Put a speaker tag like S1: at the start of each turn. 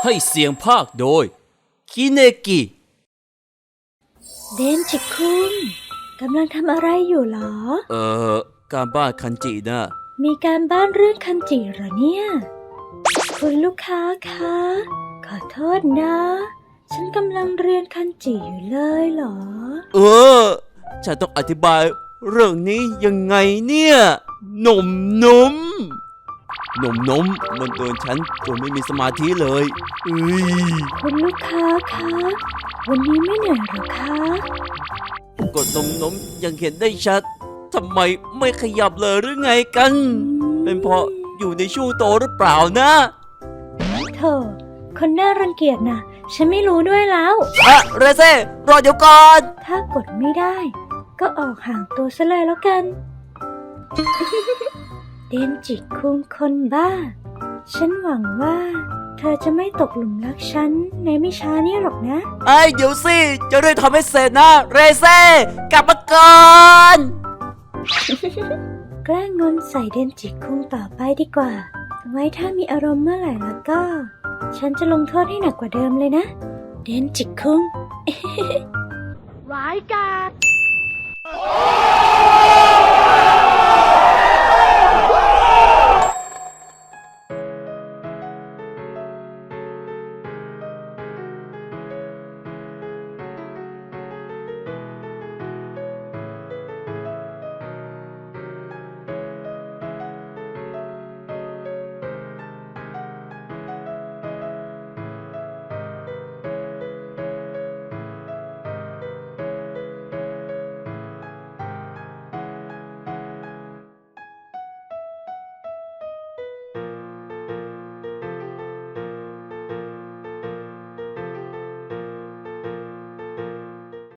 S1: ให้เสียงภาคโดยคิเนกิ
S2: เดนจิคุงกำลังทำอะไรอยู่หรอ
S1: การบ้านคันจินะ
S2: มีการบ้านเรื่องคันจิเหรอเนี่ย คุณลูกค้าคะขอโทษนะ ฉันกำลังเรียนคันจิอยู่เลยเหรอ
S1: ฉันต้องอธิบายเรื่องนี้ยังไงเนี่ยหนมมันโดนฉันจนไม่มีสมาธิเลย
S2: คุณลูกค้าคะวันนี้ไม่เหนื่อยหรอคะ
S1: กดนมยังเห็นได้ชัดทำไมไม่ขยับเลยหรือไงกัน เป็นเพราะอยู่ในช่วงโตหรือเปล่านะ
S2: โธ่คนน่ารังเกียจนะฉันไม่รู้ด้วยแล้ว
S1: เรเซ่รอเดี๋ยวก่อน
S2: ถ้ากดไม่ได้ก็ออกห่างตัวซะเลยแล้วกัน เดนจิคุงคนบ้าฉันหวังว่าเธอจะไม่ตกหลุมรักฉันในไม่ช้านี้หรอกนะ
S1: เดี๋ยวสิจะได้ทำให้เสร็จนะเรเซ่กลับมาก่อน
S2: แกล้งงอนใส่เดนจิคุงต่อไปดีกว่าไว้ถ้ามีอารมณ์เมื่อไหร่แล้วก็ฉันจะลงโทษให้หนักกว่าเดิมเลยนะเดนจิคุง
S3: ร้ายกาจ